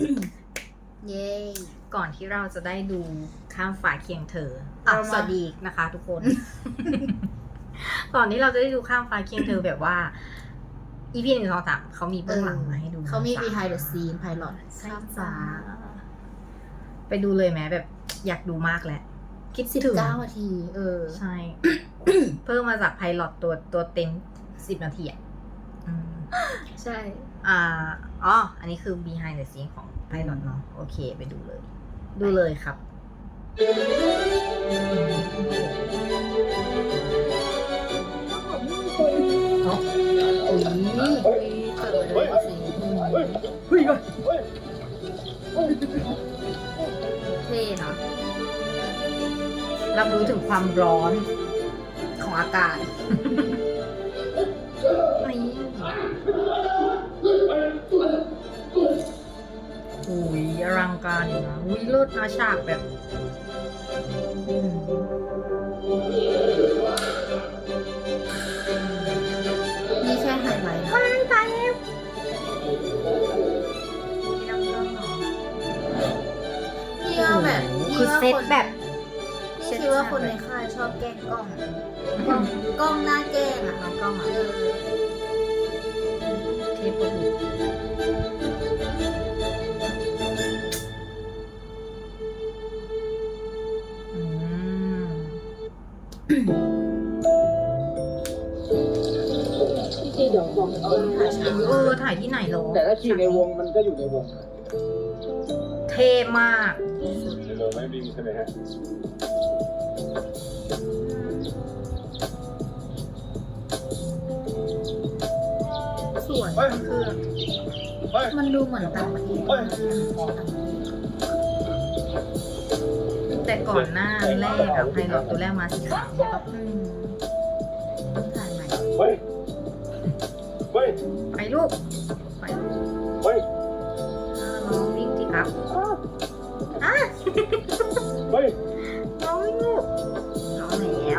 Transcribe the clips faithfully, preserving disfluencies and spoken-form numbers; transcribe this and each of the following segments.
เย้ก่อนที่เราจะได้ดูข้ามฟ้าเคียงเธออ่ะสวัสดีนะคะทุกคน ก่อนที่เราจะได้ดูข้ามฟ้าเคียงเธอแบบว่า อี พี หนึ่ง สอง สามเขามีเบื้องหลังมาให้ดูเขามี behind the scene pilot ข้ามฟ้าไปดูเลยไหมแบบอยากดูมากแหละ คิดสิบถึงเก้านาที เออใช่ เพิ่มมาจากไพลอตตัวตัวเต็มสิบนาทีอ่ะอืมใช่อ่าอ๋อ อันนี้คือ behind the scene ของไพลอตเนาะโอเคไปดูเลย ดูเลยครับเนาะอุ้ยอุ้ยเปิดเลยสิเฮ้ยเท่นะรับรู้ถึงความร้อนของอากาศนี่อุ้ยอลังการอยู่นะอุ้ยเลิศนะฉากแบบอืมนี่แค่ไฮไลท์นะว้ายตายแล้วมีน้ำเรื่องเหรอพี่ว่าแบบคือเซตแบบพี่คิดว่าคนในค่ายชอบแกล้งกล้องกล้องกล้องหน้าแกล้งอ่ะน้องกล้องอ่ะเออเทปบุตรอืมพี่ซีเดี๋ยวบอกเอาเออถ่ายที่ไหนหรอแต่ถ้าขี่ในวงมันก็อยู่ในวงเท่มากในเรือไม่วิ่งใช่ไหมฮะสวยเฮ้ยมันคือเฮ้ยมันดูเหมือนต่างประเทศเฮ้ยแต่ก่อนหน้าแรกอะไพลอตตัวแรกมาสีขาวใช่ปะอืมต้องถ่ายใหม่เฮ้ย เฮ้ยไปลูกไปลูกเฮ้ยอ่าน้องวิ่งสิครับอ่ะเฮ้ยน้องวิ่งลูกน้องแล้ว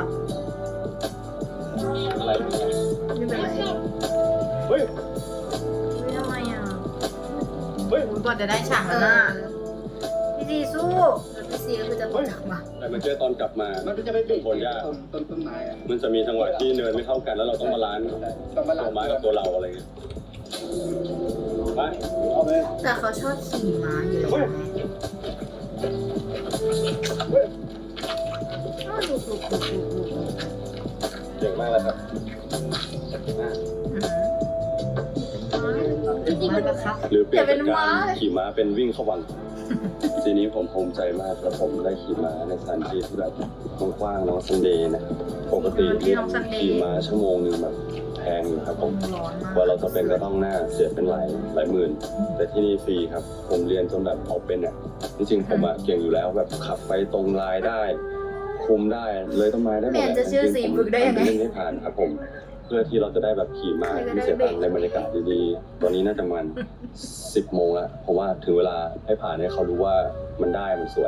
อะไรไม่เป็นไรเฮ้ยไม่ทำไมอ่ะเฮ้ยอุ้ยกว่าจะได้ฉากเอนั้นอน่ะพี่จีสู้แล้วพี่ซีก็คือจะตกจากมาแต่เมื่อกี้ตอนกลับมามันก็จะไปเบรกคนยากต้นต้นต้นไม้อะมันจะมีจังหวะที่เนินไม่เท่ากันแล้วเราต้องบาลานซ์ต้องมาหลัตังวไม้กับตัวเราอะไรเงี้ย ไป เอาไปแต่เขาชอบขี่ม้าอยู่แล้วเฮ้ยไงเฮ้ยอ้าวดูดูดูดูดูเก่งมากเลยครับอ่ะอืมถึงมากแล้วครับหรือเปลี่ยนจากการขี่ม้าเป็นวิ่งเข้าวัง ทีนี้ผมภูมิใจมากแล้วผมได้ขี่ม้าในสถานที่ที่แบบกว้างๆน้องซันเดย์นะครับปกติที่ขี่ม้าชั่วโมงหนึงแบบแพงอยู่ครับผมร้อนมากกว่าเราจะเป็นก็ต้องหน้าเสียเป็นหลายหลายหมื่น แต่ที่นี่ฟรีครับ ผมเรียนจนแบบเอาเป็นอ่ะจริงๆผมอ่ะเก่งอยู่แล้วแบบขับไปตรงลายได้ คุมได้เลยต้นไม้ได้หมดแมนจะชื่อสีฝึกได้ยังไงเล่นให้ผ่านครับผม เพื่อที่เราจะได้แบบขี่ม้าไม่เสียตังค์ในบรรยากาศดีๆตอนนี้น่าจะมันสิบโมงแล้วเพราะว่าถึงเวลาให้ผ่านให้เขารู้ว่ามันได้มันสวย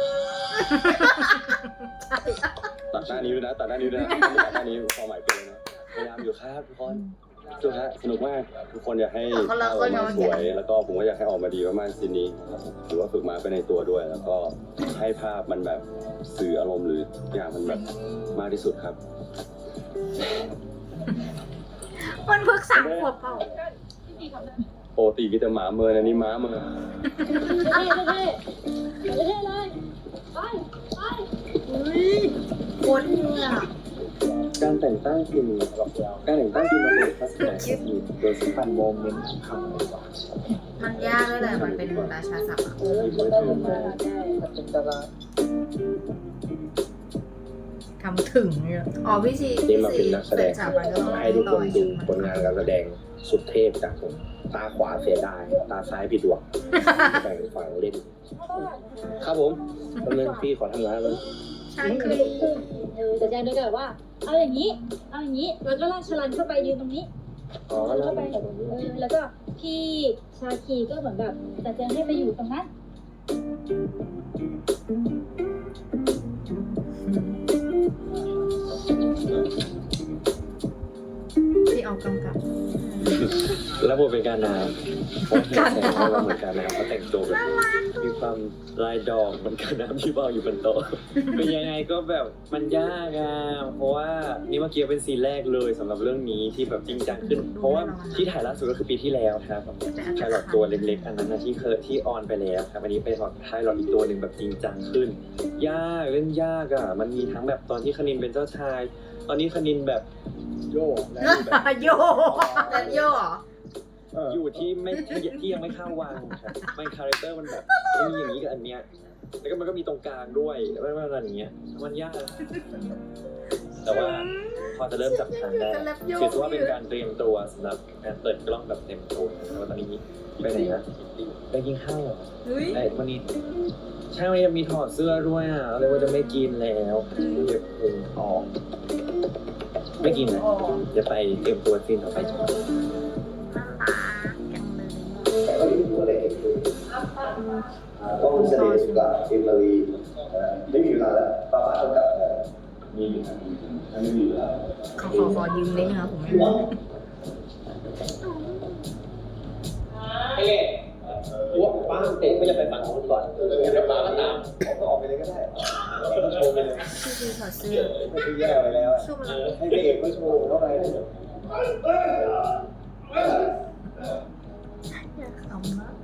ตัดหน้านี้ด้วยนะตัดหน้านี้ด้วยนะไม่ตัดหน้านี้ความหมายเป็นเลยนะพยายามอยู่ครับทุกคนสุดฮะสนุกมากทุกคนอยากให้ภาพออกมาสวย แล้วก็ผมก็อยากให้ออกมาดีมากๆซีนนี้ครับผมถือว่าฝึกมาไปในตัวด้วย แล้วก็ให้ภาพมันแบบสื่ออารมณ์หรือทุกอย่างมันแบบมากที่สุดครับมันเพิ่งสามขวบเปล่าปกติก็จะหมาเมินอันนี้ม้าเมินเท่เท่เท่เท่เลยไปไปโคตรเนี่ยการแต่งตั้งทีมการแต่งตั้งทีมมาเป็นทัศนคติโดยสำคัญโมเมนต์คำเลยว่ามันยากเลยแหละมันเป็นราชาศัพท์อะทีมได้เป็นมาเป็นตารางทำถึงเนี่ยอ๋อพี่ซีนี่มาเป็นนักแสดงจากมันก็ต้องให้ทุกคนดูผลงานการแสดงสุดเทพจากผมตาขวาเสียดายตาซ้ายผิดหวังแบ่งฝั่งเล่น ครับผมดำเนินพี่ขอทำงานแล้วใช่คือเออแต่แจงด้วยกันแบบว่า เอาอย่างนี้ เอาอย่างนี้ แล้วก็ลากชลันเข้าไปยืนตรงนี้อ๋อชลันแล้วเข้าไปเออแล้วก็พี่ชาคีก็เหมือนแบบ แต่แจงให้ไปอยู่ตรงนั้นพี่เอากำกับแล้วผมเป็นการน้ำผมเห็นแสงเราเหมือนกันนะครับเขาแต่งตัวแบบมีความลายดอกเหมือนกันน้ำที่วางอยู่บนโต๊ะ เป็นยังไงก็แบบมันยากอะเพราะว่านี่เมื่อกี้เป็นซีนแรกเลยสำหรับเรื่องนี้ที่แบบจริงจังขึ้น เพราะว่าที่ถ่ายล่าสุดก็คือปีที่แล้วครับไพลอตตัวเล็กๆอันนั้นนะที่เคยที่ออนไปแล้วครับอันนี้เป็นไพลอตอีกตัวหนึ่งแบบจริงจังขึ้น ยากเล่นยากอะมันมีทั้งแบบตอนที่คณินเป็นเจ้าชาย ตอนนี้คณินแบบโยกและแบบโยแล้วโย่เหรออยู่ที่ไม่ที่ยังไม่เข้าวังครับมันคาแรคเตอร์มันแบบไม่มีอย่างนี้กับอันเนี้ยแล้วก็มันก็มีตรงกลางด้วยไม่ว่าอะไรอย่างเงี้ยมันยากแต่ว่าพอจะเริ่มจับทางได้ถือว่าเป็นการเตรียมตัวสำหรับการเปิดกล้องแบบเต็มตัวแล้วตอนนี้ไปไหนนะไปกินข้าวไอ้วันนี้ใช่วันนี้มีถอดเสื้อด้วยอ่ะเลยว่าจะไม่กินแล้วเดี๋ยวพุงออกไม่กินนะเดี๋ยวไปเตรียมตัวซีนต่อไปจ้ะต้องเสด็จกับเอมิลีไม่มีเวลาแล้วป้าป้าต้องกลับมีอยู่ทางนี้ไม่มีเวลาขอขอขอยืมนิดนึงครับผมไม่รู้ไอ้เล่หัวป้าเตะไม่จะไปฝั่งนู้นก่อนเดี๋ยวป้าก็ตามเขาก็ออกไปเลยก็ได้ต้องโชว์ไปเลยชื่อคือถอดเสื้อไม่ได้แย่ไปแล้วให้พระเอกก็โชว์เข้าไปอยากขำมาก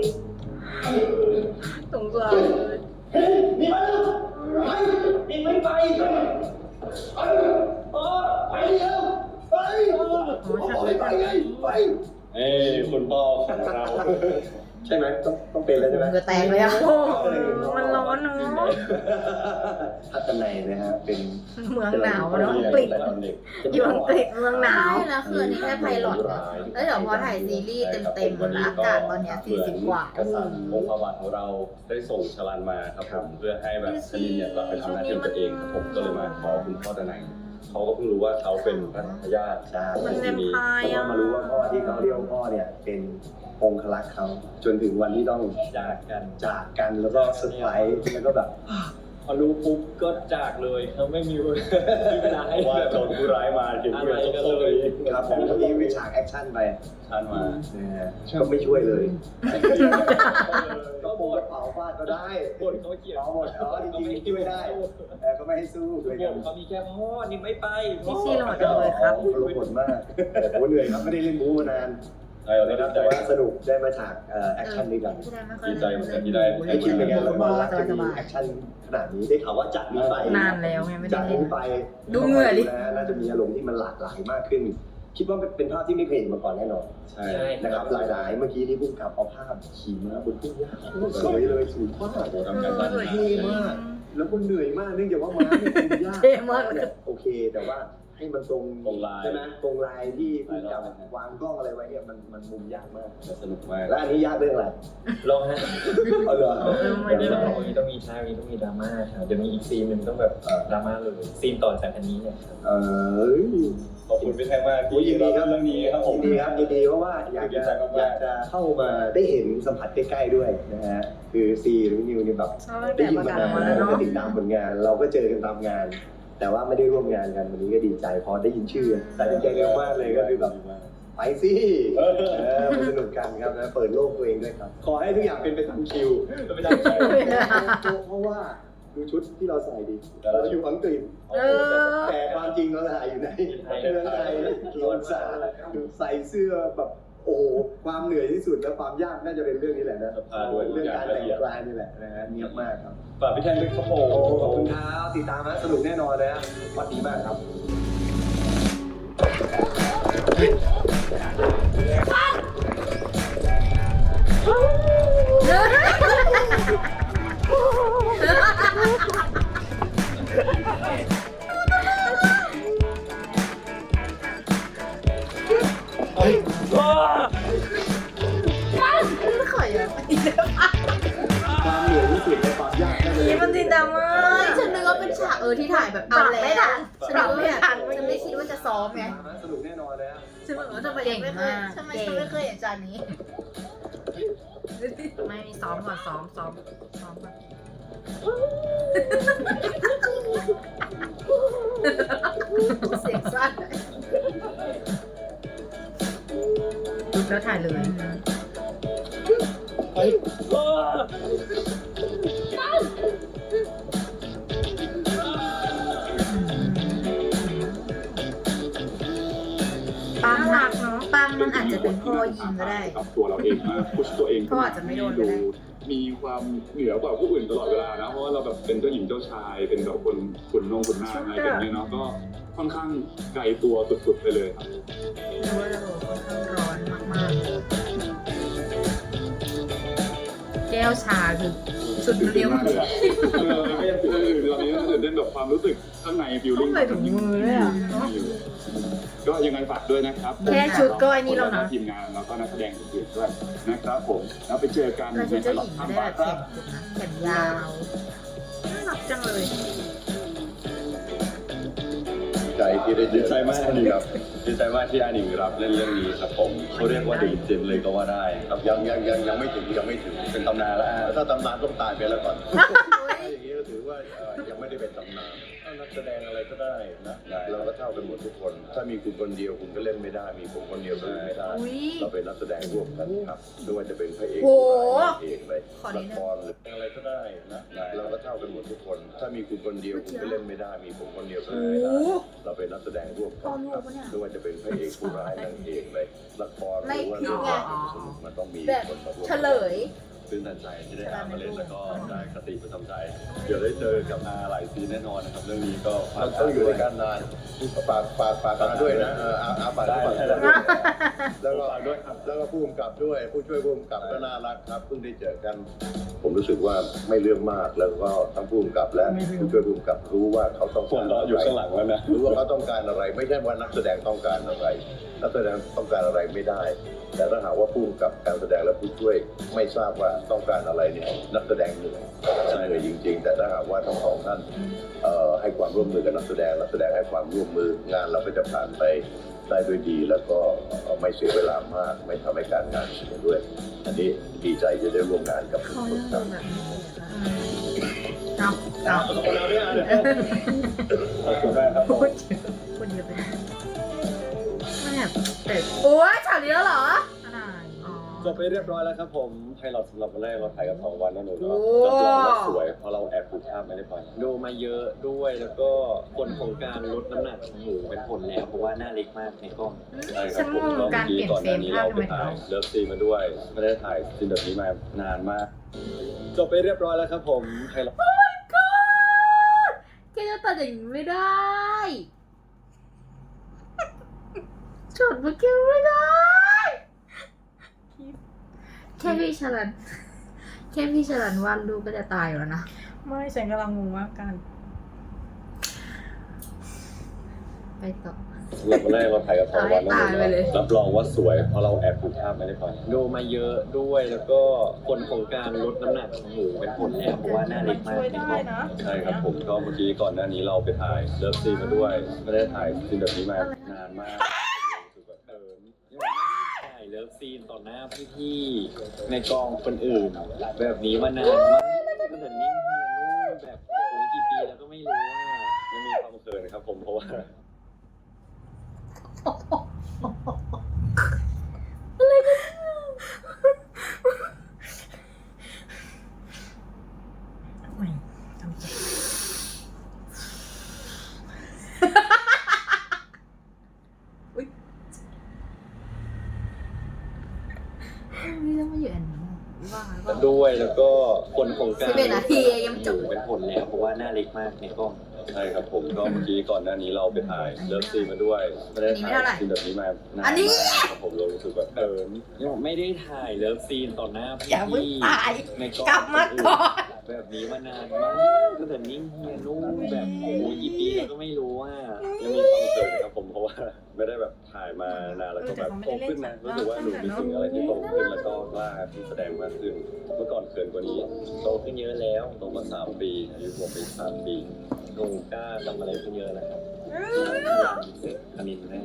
สงสารเลยนี่มาไปนี่ไม่ไปไปไปเร็วไปไปไงไปเอ้คุณพ่อของเราใช่ไหมต้องต้องเป็นเลยใช่ไหมเหงื่อแตกเลยอ่ะโอ้มันร้อนเนาะทัศนัยนะฮะเป็นเมืองหนาวเนาะอังกฤษอยู่อังกฤษเมืองหนาวใช่แล้วคืออันนี้แค่ไพลอตนะแล้วเดี๋ยวพอถ่ายซีรีส์เต็มๆแล้วอากาศตอนเนี้ยสี่สิบกว่ากษัตริย์องค์พระบาทของเราได้ส่งชลันมาครับผมเพื่อให้แบบคณินเนี่ยกลับไปทำหน้าที่ของตัวเองครับผมก็เลยมาขอคุณพ่อตะไนเขาก็เพิ่งรู้ว่าเขาเป็นพระทายาทใช่มันแวมไพร์เพราะอ่ะว่ามารู้ว่าพ่อที่เขาเรียกว่าพ่อเนี่ยเป็นองครักษ์เขาจนถึงวันที่ต้องจากกันจากกันแล้วก็เซอร์ไพรส์แล้วก็แบบพอรู้ปุ๊บก็จากเลยเขาไม่มีเวลาให้ว่าโดนผู้ร้ายมาถึงอะไรกันเลยครับผมเมื่อกี้วิฉากแอคชั่นไปชันมานะฮะก็ไม่ช่วยเลยก็โมกระเป๋าฟาดก็ได้บทเขาเขียนเอาหมดอ๋อจริงๆช่วยได้แต่ก็ไม่ให้สู้ด้วยบกันทเขามีแค่พ่อนี่ไม่ไปพี่ซีหล่อจังเลยครับลงผลมากแต่ผมเหนื่อยครับไม่ได้เล่นบู๊มานานใช่เราได้นะครับใจแต่ว่าสนุกได้มาฉากแอคชั่นด้วยกันดีใจเหมือนกันที่ได้ไม่คิดเป็นไงละครรักจะมีแอคชั่นขนาดนี้ได้ข่าวว่าจากนี้ไปนานแล้วไงไม่ได้จากเล่นนี้ไปดูเหงื่อดินะน่าจะมีอารมณ์ที่มันหลากหลายมากขึ้น คิดว่าเป็นภาพที่ไม่เคยเห็นมาก่อนแน่นอนใช่นะครับหลายๆเมื่อกี้นี่พุ่งกลับเอาภาพขี่ม้าบนทุ่งหญ้าโคตรสวยเลยสูงมากทำการบ้านเท่มาก แล้วก็เหนื่อยมากเนื่องจากว่าม้าเนี่ยเป็นยากเท่มากเนี่ยโอเค แต่ว่าให้มันตรงตรงลายใช่ไหมตรงลายที่พุ่งกับวางกล้องอะไรไว้เนี่ยมันมันมุมยากมากสนุกมากแล้วอันนี้ยากเรื่องอะไรลองฮะเอาเหรอเออไม่วันได้นี้ต้องมีต้องมีท่ามีต้องมีดราม่าครับเดี๋ยวมีอีกซีนหนึ่งต้องแบบดราม่าเลยซีนต่อจากอันนี้เนี่ยเออขอบคุณพี่แท็กมากโอ้ยยินดีครับเรื่องนี้ครับผมยินดีครับยินดีเพราะว่าอยากจะอยากจะเข้ามาได้เห็นสัมผัสใกล้ๆด้วยนะฮะคือซีหรือนิวนี่แบบชอบตั้งได้แต่ยินประมากาศนานออกมาแล้วแล้วก็เนาะติดตามผลงาน เราก็เจอกันตามงาน แต่ว่าไม่ได้ร่วมงานกันวันนี้ก็ดีใจพอได้ยินชื่อแต่ดีใจเร็วมากเลยก็คือแบบไปสิเออมาสนุกกันครับนะเปิดโลกตัวเองด้วยครับ ขอให้ทุกอย่างเป็นไปตามคิวไม่ได้ใช่เพราะว่าดูชุดที่เราใส่ดีเราอยู่อังกฤษเออแต่ความจริงเราถ่ายอยู่ในเมืองไทยโลนสาใส่เสื้อแบบโอ้โหความเหนื่อยที่สุดและความยากน่าจะเป็นเรื่องนี้แหละนะเรื่องการแต่งกายนี่แหละนะฮะเนียบมากครับฝากพี่แท็กด้วยครับผโอ้มขอบคุณครับติดตามนะสนุกแน่นอนนะฮะสวัสดีมากครับขอยอะความเหนื่อยที่สุดและความยากน่าจะนี่เป็มันจินดราม่าเฮ้ยฉันนึกว่าเป็นฉากเออที่ถ่ายแบบเอาแล้วไม่ทันฉันนึกว่าแบบไม่ทันฉันไม่คิดว่าจะซ้อมไงสนุกแน่นอนนะฮะฉันแบบว่าทำไมยังไม่เคยทำไมฉันไม่เคยเห็นจานนี้ไม่มีซ้อมก่อนซ้อมซ้อมซ้อมก่อนเสียงสั้นแล้วถ่ายเลยไปเออปังรักเนาะปังมันอาจจะเป็นพ่อยิงก็ได้กับตัวเราเองมาพุชตัวเองเขาอาจจะไม่โดนก็ได้มีความเหนือกว่าผู้อื่นตลอดเวลานะเพราะว่าเราแบบเป็นเจ้าหญิงเจ้าชายเป็นแบบคนขุนนงขุนนางอะไรแบบนี้เนาะก็ค่อนข้างไกลตัวสุดๆไปเลยครับเพราะว่าเราค่อนข้างร้อนมากแก้วชาคือสุดเรียวมากเลยอะเออก็ยังตื่นเต้นตอนนี้ตื่นเต้นแบบความรู้สึกข้างในฟิลต้อลิ่งงใส่ถุงมือด้วยอ่ะก็ยังไงฝากด้วยนะครับแค่ชุดก็ไอ้นี่แล้วนะทีมงานแล้วก็นักแสดงอื่นๆด้วยนะครับผมแล้วไปเจอกันๆเราชุดเจ้าหญิงข้าไม่มได้บาแบบร์คแขรับนยาวน่ารักจังเลยใจที่ได้เจดีอใจมากครับดีใจมากที่อาหนิงรับเล่นเรื่องนี้ครับผมเขาเรียกว่าเดอะเจนเลยก็ว่าได้ครับยังยังยังยังไม่ถึงยังไม่ถึงเป็นตำนานแล้วอ่ะถ้าตำนานต้องตายไปแล้วก่อนถ้าอย่างนี้ก็ถือว่าเอ่อยังไม่ได้เป็นตำนานถ้านักแสดงอะไรก็ได้นะเราก็เท่ากันหมดทุกคน ถ้ามีคุณคนเดียวคุณก็เล่นไม่ได้ มีผมคนเดียวก็เล่นไม่ได้อุ๊ยเราเป็นนักแสดงร่วมกันครับไม่ว่าจะเป็นพระเอกโหนางเอกเลยขอนิละดนึงครหรืออะไรก็ได้นะเราก็เท่ากันหมดทุกคน ถ้ามีคุณคนเดียวคุณก็เล่นไม่ได้ มีผมคนเดียวก็เล่นไม่ได้ เราเป็นนักแสดงร่วมกันครับไม่ว่าจะเป็นพระเอกผู้ร้ายนางเอกเลยละครหรือว่าไม่เรื่องคิดไงสนุกมันต้องมีแบบคนมาร่วมเฉลยตื่นตันใจที่ได้อามาเล่นแล้วก็ได้คติประจำใจ เดี๋ยวได้เจอกับอาหลายซีนแน่นอนนะครับเรื่องนี้ก็ฝาเรากต้องอยู่ด้วยกันนานฝากฝากฝากมาด้วยนะเอออาอาฝากด้วยฝากด้วยแล้วก็ฝากด้วยครับแล้วก็ผู้กำกับด้วยผู้ช่วยผู้กำกับก็น่ารักครับเพิ่งได้เจอกัน ผมรู้สึกว่าไม่เรื่องมากแล้วก็ทั้งผู้กำกับและผู้ช่วยผู้กำกับรู้ว่าเขาต้องส่กาวนรเราอะไรอยู่ข้างหลังแล้วนะรู้ว่าเขาต้องการอะไร ไม่ใช่ว่านักแสดงต้องการอะไร นักแสดงต้องการอะไรไม่ได้ แต่ถ้าหากว่าผู้กำกับการแสดงและผู้ช่วยไม่ทราบว่าต้องการอะไรเนี่ยนักแสดงเหนื่อยเหนื่อยจริง ๆ แต่ถ้าหากว่าทั้งสองท่านเอ่อให้ความร่วมมือกับนักแสดงนักแสดงให้ความร่วมมืองานเราก็จะผ่านไปได้ด้วยดี แล้วก็ไม่เสียเวลามาก ไม่ทำให้การงานเสียด้วย อันนี้ดีใจจะได้ร่วมงานกับทุกเขาคนยังคโดรับนแบบนี้เลยค่ะเอาเอาขอบคุณเราด้วยนะขอบคุณมากครับผมคนเดียวไปได้ไม่แบบแต่โอ้ยฉากนี้แล้วเหรออะไรอ๋อจบไปเรียบร้อยแล้วครับผมไพลอตสำหรับวันแรกเราถ่ายกันสองวันนะหนูโอ้เนาะรับรองว่าสวยเพราะเราแอบผูกภาพไม่ได้ไปดูมาเยอะด้วยแล้วก็ผลของการลดน้ำหนักของหมูเป็นผลแล้วเพราะว่าหน้าเล็กมากในกล้องใช่คฉัรับนผมงงก็การเมื่อเปกี้ลี่ยนก่อนเฟหรน้าม นี้ภาพเราทำไปไมถ่ายเนาะเลิฟซีนมาด้วย ไม่ได้ถ่ายซีนแบบนี้มานานมาก จบไปเรียบร้อยแล้วครับผมไพลอตแกจะตัดอย่างนี้ไม่ได้ช็อตเมื่อกี้ไม่ได้ แค่พี่ชลัน แค่พี่ชลันวาดรูปก็จะตายอยู่แล้วนะไม่ฉันกำลังงงว่าการไปต่อสำหรับวันแรกเราถ่ายกันสองวันนะหนูตายไปเลยเนาะรับรองว่าสวยเพราะเราแอบผูกภาพไม่ได้ไปดูมาเยอะด้วยแล้วก็ผลของการลดน้ำหนักของหมูเป็นผลแล้วเพราะว่าหน้าเล็กมากในกล้องใช่ครับผมก็เมื่อกี้ก่อนหน้านี้เราไปถ่ายเลิฟซีนมาด้วย ไม่ได้ถ่ายซีนแบบนี้มานานมากรู้สึกแบบเออยังไม่ได้ถ่ายเลิฟซีนต่อหน้าพี่ๆในกองคนอื่น แบบนี้มานานมากตั้งแต่นิ่งเฮียนู่นแบบโอ้ยกี่ปีแล้วก็ไม่รู้ว่ายังมีความเขินครับผมเพราะว่าไม่ทำใจไม่ต้องมาอยู่อันนี้ว่าว่าด้วยแล้วก็ผลของการสิบเอ็ดนาทียังไม่จบหมูเป็นผลแล้วเพราะว่าหน้าเล็กมากในกล้องใช่ครับผมก็เมื่อกี้ก่อนหน้านี้เราไปถ่ายเลิฟซีนมาด้วย ไม่ได้ถ่ายซีนแบบนี้มานานอันนี้มากครับผมเรารู้สึกแบบเออยังไม่ได้ถ่ายเลิฟซีนต่อหน้าพี่อย่าเพิ่งตายในกล้องกลับมาก่อนแบบนี้มานานมากตั้งแต่นิ่งเฮียนู่นแบบโอ้ยกี่ปีแล้วก็ไม่รู้ว่ายังมีความเขินครับผมเพราะว่าไม่ได้แบบถ่ายมานานแล้วก็แบบโตขึ้นนะรู้สึกว่าหนูมีสิ่งอะไรที่โตขึ้นแล้วก็กล้าที่แสดงมากขึ้นเมื่อก่อนเขินกว่านี้โตขึ้นเยอะแล้วโตมาสามปีอายุบวกไปอีกสามปีหนูกล้าทำอะไรขึ้นเยอะแล้วครับเสร็จคณินแน่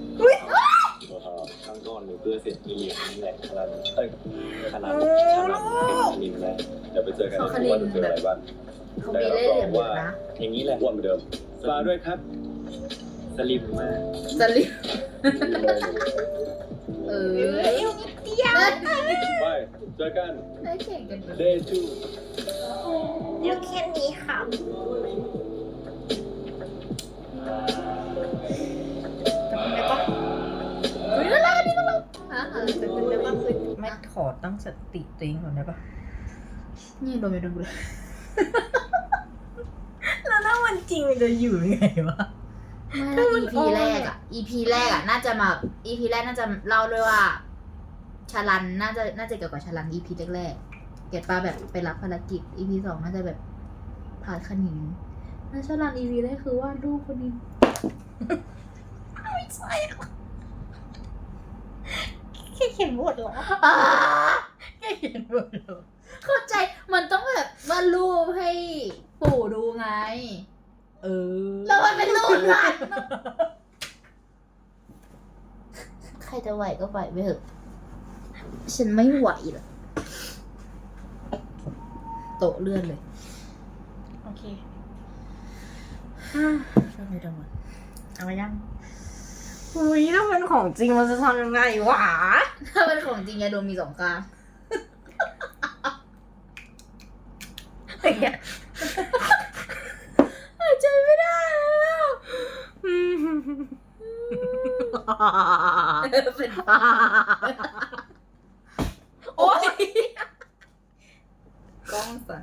ครั้งก่อนหนูเพื่อเสร็จมีนี่แหละคณะเอ้ยคณะชนะเป็นคณินแน่เดี๋ยวไปเจอกันในทุกวันจะเจออะไรบ้างเขามีเล่ห์เหลี่ยมเยอะนะอย่างนี้แหละอ้วนเหมือนเดิมฝากด้วยครับสลิมมากสลิปดูเลยเออยวไปเจอกันได้เก่งกัน day two เดี๋ยวแค่นี้ค่ะจะเป็นได้ปะเฮ้ยน่ารักนี่น่ารักอ่ะจะเป็นได้ปะคือไม่ขอตั้งสติตัวเองก่อนได้ปะนี่โดนไปดูเลยแล้วถ้ามันจริงมันจะอยู่ยังไงวะไม่แล้ว อี พี แรกอ่ะ อี พี แรกอ่ะ น่าจะมา อี พี แรกน่าจะเล่าด้วยว่าชาลันน่าจะน่าจะเกี่ยวกับชาลัน อี พี แรกๆเก็ตป้าแบบไปรับภารกิจ อี พี สองน่าจะแบบผ่านขนิงแล้วชาลัน อี พี แรกคือว่าลูกคนนี้ไม่ใช่หรอแค่เขียนบทเหรออ่าแค่เขียนบทเหรอเข้าใจมันต้องแบบวาดรูปให้ปู่ดูไงเออแล้วมันเป็นรูปนั้นใครจะไหวก็ไหวไปเถอะ ฉันไม่ไหวหรอกโต๊ะเลื่อนเลยโอเคทำไมดังวะเอามายังอุ้ยถ้าเป็นของจริงมันจะทำยังไงวะถ้าเป็นของจริงยาดมมีสองข้าง หายใจไม่ได้แล้วเป็นบ้าโอ๊ยกล้องสั่น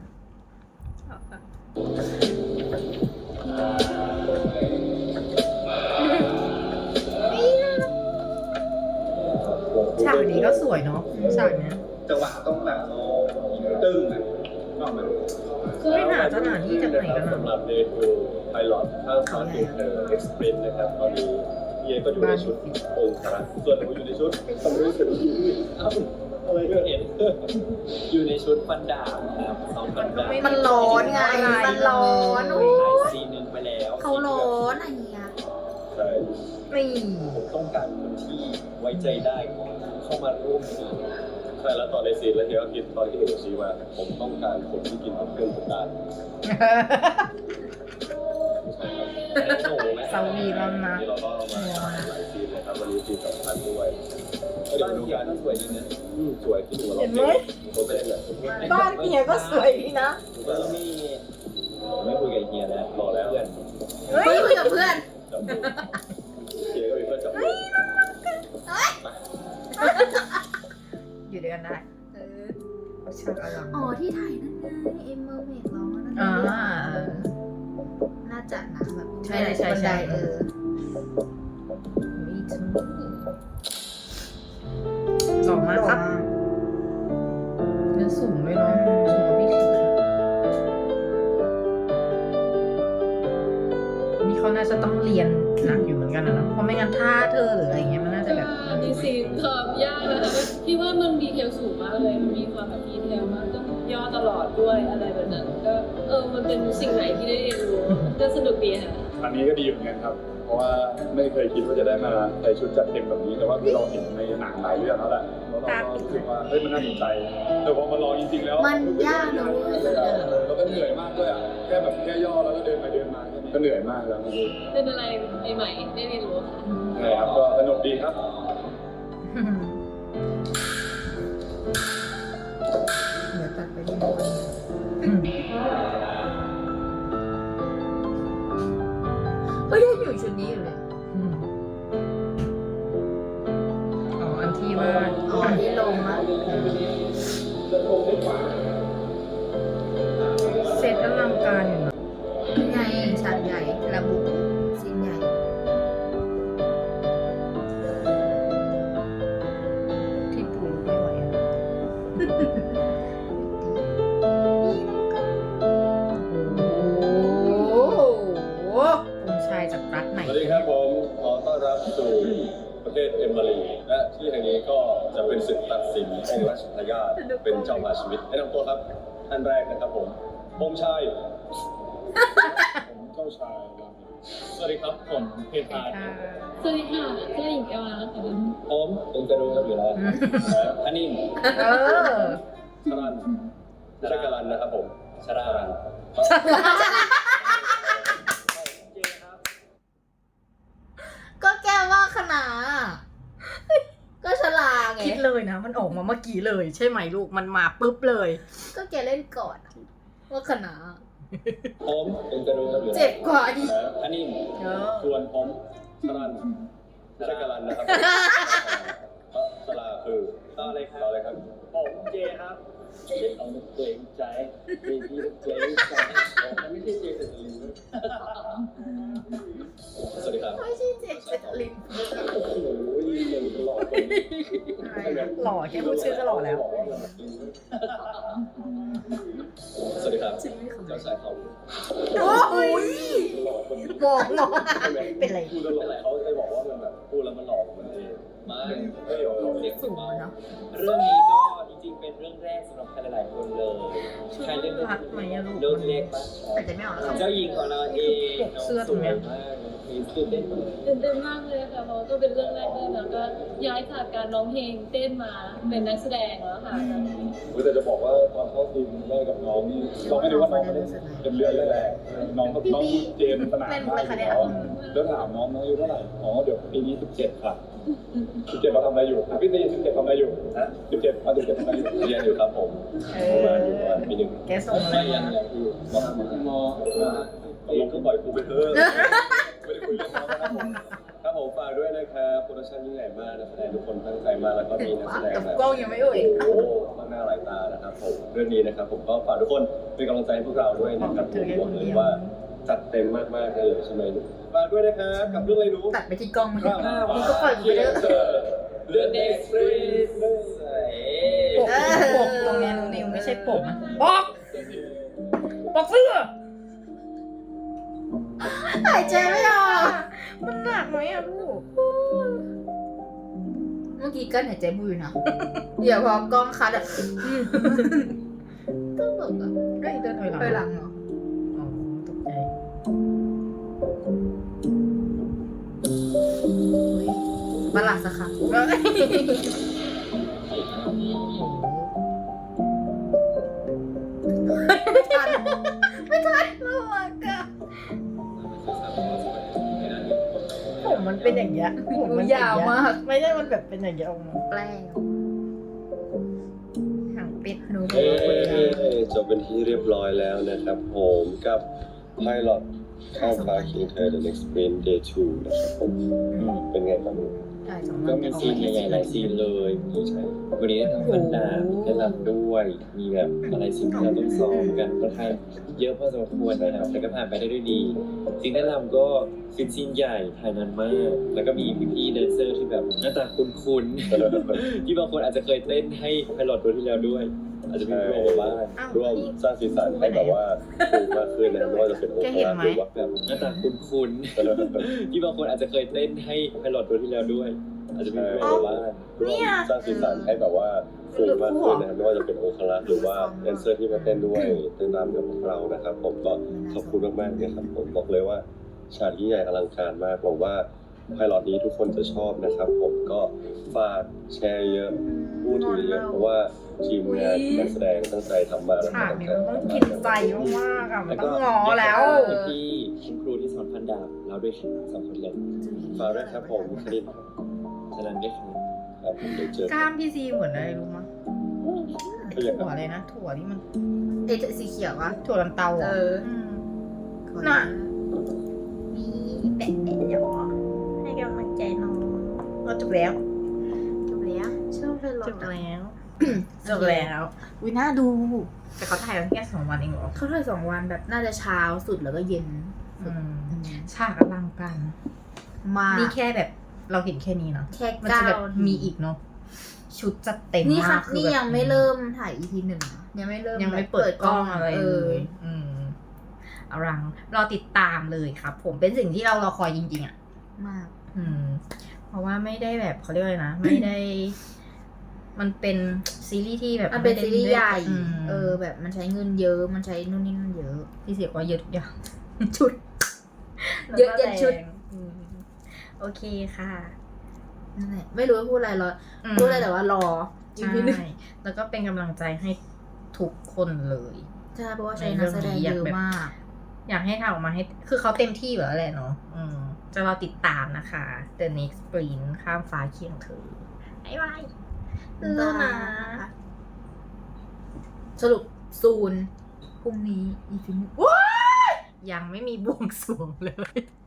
ฉากนี้ก็สวยเนาะฉากเนี้ยจังหวะต้องแบบตึ้งอ่ะก็มันคือไม่หนาสถานที่จากไหนกันสำหรัอะบ day two ไพลอตข้าวสารเด็กเออ Express นะครับตอนนี้เย่ก็อยู่ในชุดองค์พระส่วนผมอยู่ในชุดสำรู้สึกเอ้าอะไรก็เห็นอยู่ในชุดฟันดาบครับสองฟันดาบมันร้อนไง มันร้อนโอ้ถ่ายยซีนหนึ่งไปแล้วเขาร้อนอะไรเงี้ยใช่นี่ผมต้องการคนที่ไว้ใจได้เข้ามาร่วมซีนใช่แล้วตอนในซีนแล้วเฮียก็คิดตอนที่เห็นโอชีว่าผมต้องการคนที่กินกับเครื่องผมได้ใช่ครับแต่หนูไหมสวีทแล้วนะนี่เราก็มาหลายซีนเลยครับวันนี้ซีนสำคัญด้วยก็เดี๋ยวบ้านดูเฮียกันก็สวยดีนะอืมสวยที่ดูเราเห็นไหมผมเป็นแบบบ้านเฮียก็สวยดีนะผมก็ไม่ไม่คุยกับเฮียแล้วรอแล้วเพื่อนเฮ้ยไม่คุยกับเพื่อนจับมือเฮียก็มีเพื่อนจับมืออยู่ด้วยกันได้เออช่างอลังอ๋อที่ถ่ายนั่นไงเอ็มเมอร์เมกร้องนั่นไงอ่าเออน่าจะนะแบบใช่ใช่ใช่บันไดเออมีทั้งหล่อมากครับเนื้อสูงเลยเนาะสูงกว่าพี่คิดนี่เขาน่าจะต้องเรียนหนักอยู่เหมือนกันนะเนอะเพราะไม่งั้นท่าเธอหรืออะไรเงี้ยมันน่าจะแบบมีซีนความยากนะคะพี่ว่ามันดีเทลสูงมากเลย มันมีความแบบดีเทลมากต้องย่อตลอดด้วยอะไรแบบนั้น ก็เออมันเป็นสิ่งไหนที่ได้เรียนรู้ก็สนุกดีค่ะอันนี้ก็ดีเหมือนกันครับ เพราะว่าไม่เคยคิดว่าจะได้มาใส่ชุดจัดเต็มแบบนี้ แต่ว่าคือเราเห็นในหนังหลายเรื่องแล้วแหละแล้วเราก็รู้สึกว่าเฮ้ยมันน่าสนใจ แต่พอมาลองจริงๆแล้วมันยากนะเว้ยแล้วก็เหนื่อยมากด้วยอ่ะ แค่แบบแค่ย่อแล้วก็เดินไปเดินมาแค่นี้ก็เหนื่อยมากแล้วเป็นอะไรใหม่ๆได้เรียนรู้ค่ะนะครับก็สนุกดีครับเดี๋ยวตัดไปที่นู่นเฮ้ยยังอยู่ชุดนี้อยู่เลยอ๋ออันที่ว่าอ๋อที่ลงอ่ะเซตอลังการอยู่นะนี่ไงฉากใหญ่ระบุซีนใหญ่ที่ปูไม่ไหวอะโอ้โหองค์ชายจากรัฐไหนสวัสดีครับผมขอต้อนรับสู่ประเทศเอมมารีและที่แห่งนี้ก็จะเป็นศึกตัดสินให้ราชทายาทเป็นเจ้ามาชีวิตแนะนำตัวครับท่านแรกนะครับผมองค์ชายผมเจ้าชายรามิสวัสดีครับผมเพทาสวัสดีค่ะเจ้าหญิงเอวานะคะผมองค์กระดูครับอยู่แล้วอันนี้เออชรันไม่ใช่กาลันนะครับผมชรารันก็แก้ว่าขนาดก็ฉลาดไงคิดเลยนะมันออกมาเมื่อกี้เลย ใช่ไหมลูกมันมาปุ๊บเลยก็แกเล่นก่อนว่าคณะผมเป็นกระดูกเจ็บกว่าอีกอันนี้เออส่วนผมสลันไม่ใช่การันนะครับสลาคือต่อเลยครับต่อเลยครับผมเจครับเอาเกรงใจเบบี้เกรงใจมันไม่ใช่เจแต่ลิงสวัสดีครับไม่ใช่เจ็บเป็นลิงโอ้โหหล่อคนนี้หล่อแค่พูดชื่อก็หล่อแล้วสวัสดีครับเจ้าชายเขาโอ้ยหล่อคนนี้บอกหรอเป็นไรพูดแล้วหล่อเขาจะบอกว่ามันแบบพูดแล้วมันหล่อมันเองไม่ไม่หล่อเรียกสูงเนาะเรื่องนี้ก็จริงๆเป็นเรื่องแรกสำหรับใครหลายๆคนเลยใครเรื่องรักไหมอะลูกเรื่องเล็กปะแต่จะไม่ออกแล้วเจ้าหญิงของเราเองน้องเสื้อสตรงวเนี้ยยมากมีตื่นเต้นมากตื่นเต้นมากเลยค่ะเพราะว่าก็เป็นเรื่องแรกด้วยนะก็ย้ายจากการร้องเพลงเต้นมาเป็นนักแสดงแล้วค่ะตอนนี้แต่จะบอกว่าตอนเข้าทีมแรกกับน้องนี่เราไม่ได้ว่าน้องไม่ได้เป็นเรื่องแรกๆน้องกับน้องเจนสนามมากอยู่แล้วแล้วถามน้องน้องอายุเท่าไหร่อ๋อเดี๋ยวปีนี้สิบเจ็ดค่ะสิบเจ็ดเราทำอะไรอยู่พี่ตีสิบเจ็ดทำอะไรอยู่นะสิบเจ็ดมาสิบเจ็ดทำอะไรอยู่เรียนอยู่ครับผมเอมาอยู่ประมาณอปีหนึ่งแกส่งอะไรไม่ยัมางเนี่ยคือมอมอลงก็ปล่อยกูไปเถอะไม่ได้คุยเรื่องเขาครับผมครับผมฝากด้วยนะครับโปรดักชั่นยิ่งใหญ่มากนักแสดงทุกคนตั้งใจมากแล้วก็มีนักแสดงกับแบบกล้องยังไม่เอ่ยโอ้มากหน้าหลายตานะครับผมเรื่องนี้นะครับผมก็ฝากทุกคนเป็นกำลังใจให้พวกเราด้วยนะครับผมบอกเลยว่าจัดเต็มมากๆเลยใช่ไหมฝากด้วยนะครับกับเรื่องอะไรรู้ตัดไปที่กล้องมันมึงก็ปล่อยกูไปเถอะเรื่องเอ็กซ์เพรสปกปกตรงเนี้ยนิวไม่ใช่ปกนะปกปกเสื้อหายใจไม่ออกมันหนักไหมอะลูกเมื่อกี้กั้นหายใจบุยนะเดี๋ยวพอกล้องคัดอะก็แบบอะเฮ้ยเดินถอยหลังไปหลังเหรออ๋อตกใจประหลาดสักครั้งไม่ทันไม่ทันระวังกันผมมันเป็นอย่างเงี้ยผมมันยาวมากไม่ใช่มันแบบเป็นอย่างเงี้ยออกมาแปลงหางเป็ดหนูบอเอ้กว่าคนยาวจบเป็นที่เรียบร้อยแล้วนะครับผมกับ Pilot ข้ามฟ้าคิงเธอ The Next Sprint Day ทูนะครับผมเป็นไงบ้างได้สองก็มีซีนใหญ่ๆหลายซีนเลยใช่วันนี้ได้ทำฟันดาบได้รำด้วย มีแบบอะไรซีนที่เราต้องซ้อมกันค่อนข้างเยอะพอสมควรนะครับแต่ก็ผ่านไปได้ด้วยดีซีนได้รำก็เป็นซีนใหญ่ถ่ายนานมาก แล้วก็มีพี่ๆแดนเซอร์ที่แบบหน้าตาคุ้นๆ ที่บางคนอาจจะเคยเต้นให้ไพลอตตัวที่แล้วด้วย อาจจะมีโปรบ้างร่วมสร้างสีสันให้แบบว่าคูลมากขึ้นนะไม่ว่าจะเป็นโอเคหรือว่าแบบหน้าตาคุ้นๆ ที่บางคนอาจจะเคยเต้นให้ไพลอตตัวที่แล้วด้วย อาจจะมีโปรบ้างร่วมสร้างสีสันให้แบบว่าคูลมากขึ้นนะครับไม่ว่าจะเป็นโอคารัสหรือว่าแดนเซอร์ที่มาเต้นด้วยเต้นรำกับพวกเรานะครับผมก็ขอบคุณมากๆเลยครับผมบอกเลยว่าฉากยิ่งใหญ่อลังการมากหวังว่าไพลอตนี้ทุกคนจะชอบนะครับผมก็ฝากแชร์เยอะพูดถึงเยอะเพราะว่าทีมงานนักแสดงตั้งใจทำมาแล้วฉากตั้งนี้ใจมันต้องกินใจมากๆอะมันต้องงอแล้วพี่คุณครูที่สอนพันดาบเราด้วยครับสองคนเลยฝากด้วยครับผมคลิปฉะนั้นด้วยครับครับผมเดี๋ยวเจอกล้ามพี่ซีเหมือนอะไรรู้มั้ยก็อย่างถั่วอะไรนะถั่วที่มันเอ๊ะสีเขียววะถั่วลันเตาเออ่ะอมน่ะ มีแปะแปะหยอให้กำลังใจน้องเราจบแล้วจบแล้วชอบเป็นรจถบแล้ว จบแล้วอุ้ยน่าดู แต่เขาถ่ายกันแค่สองวันเองเหรอเขาถ่ายสองวันแบบน่าจะเช้าสุดแล้วก็เย็นอืมอืมฉากอลังการมากนี่แค่แบบเราเห็นแค่นี้เนาะแค่มันเก้าจะแบบมีอีกเนาะชุดจัดเต็มนี่มาค่ะกคือนี่แบบยังไม่เริ่มถ่าย อี พี หนึ่งนะยังไม่เริ่มยังไม่แบบเปิดกล้องอะไรเอเลอยอืมอลังรอติดตามเลยครับ ผมเป็นสิ่งที่เรารอคอยจริงๆอ่ะมากอืม เพราะว่าไม่ได้แบบเขาเรียกว่าอะไรนะ ไม่ได้ มันเป็นซีรีส์ที่แบบมันเป็นซีรีส์ใหญ่อืมเออ แบบมันใช้เงินเยอะ มันใช้นู่นนี่นั่นเยอะที่เสียกว่าเยอะทุกอย่างชุด เยอะยันชุดอืมโอเคค่ะนั่นแหละไม่รู้ว่าพูดอะไรหรออืมพูดอะไรแต่ว่ารออีใช่พีหนึ่งแล้วก็เป็นกำลังใจให้ทุกคนเลยใช่เพราะว่าใช้นักแสดงเยอะมากอยากให้ทำออกมาให้ คือเขาเต็มที่อยู่แล้วแหละเนาะอืม จะรอติดตามนะคะ The Next Sprint ข้ามฟ้าเคียงเธอบ๊ายบายเลิศนะสรุปซูนพรุ่งนี้อีพีนี้ยังไม่มีบวงสรวงเลย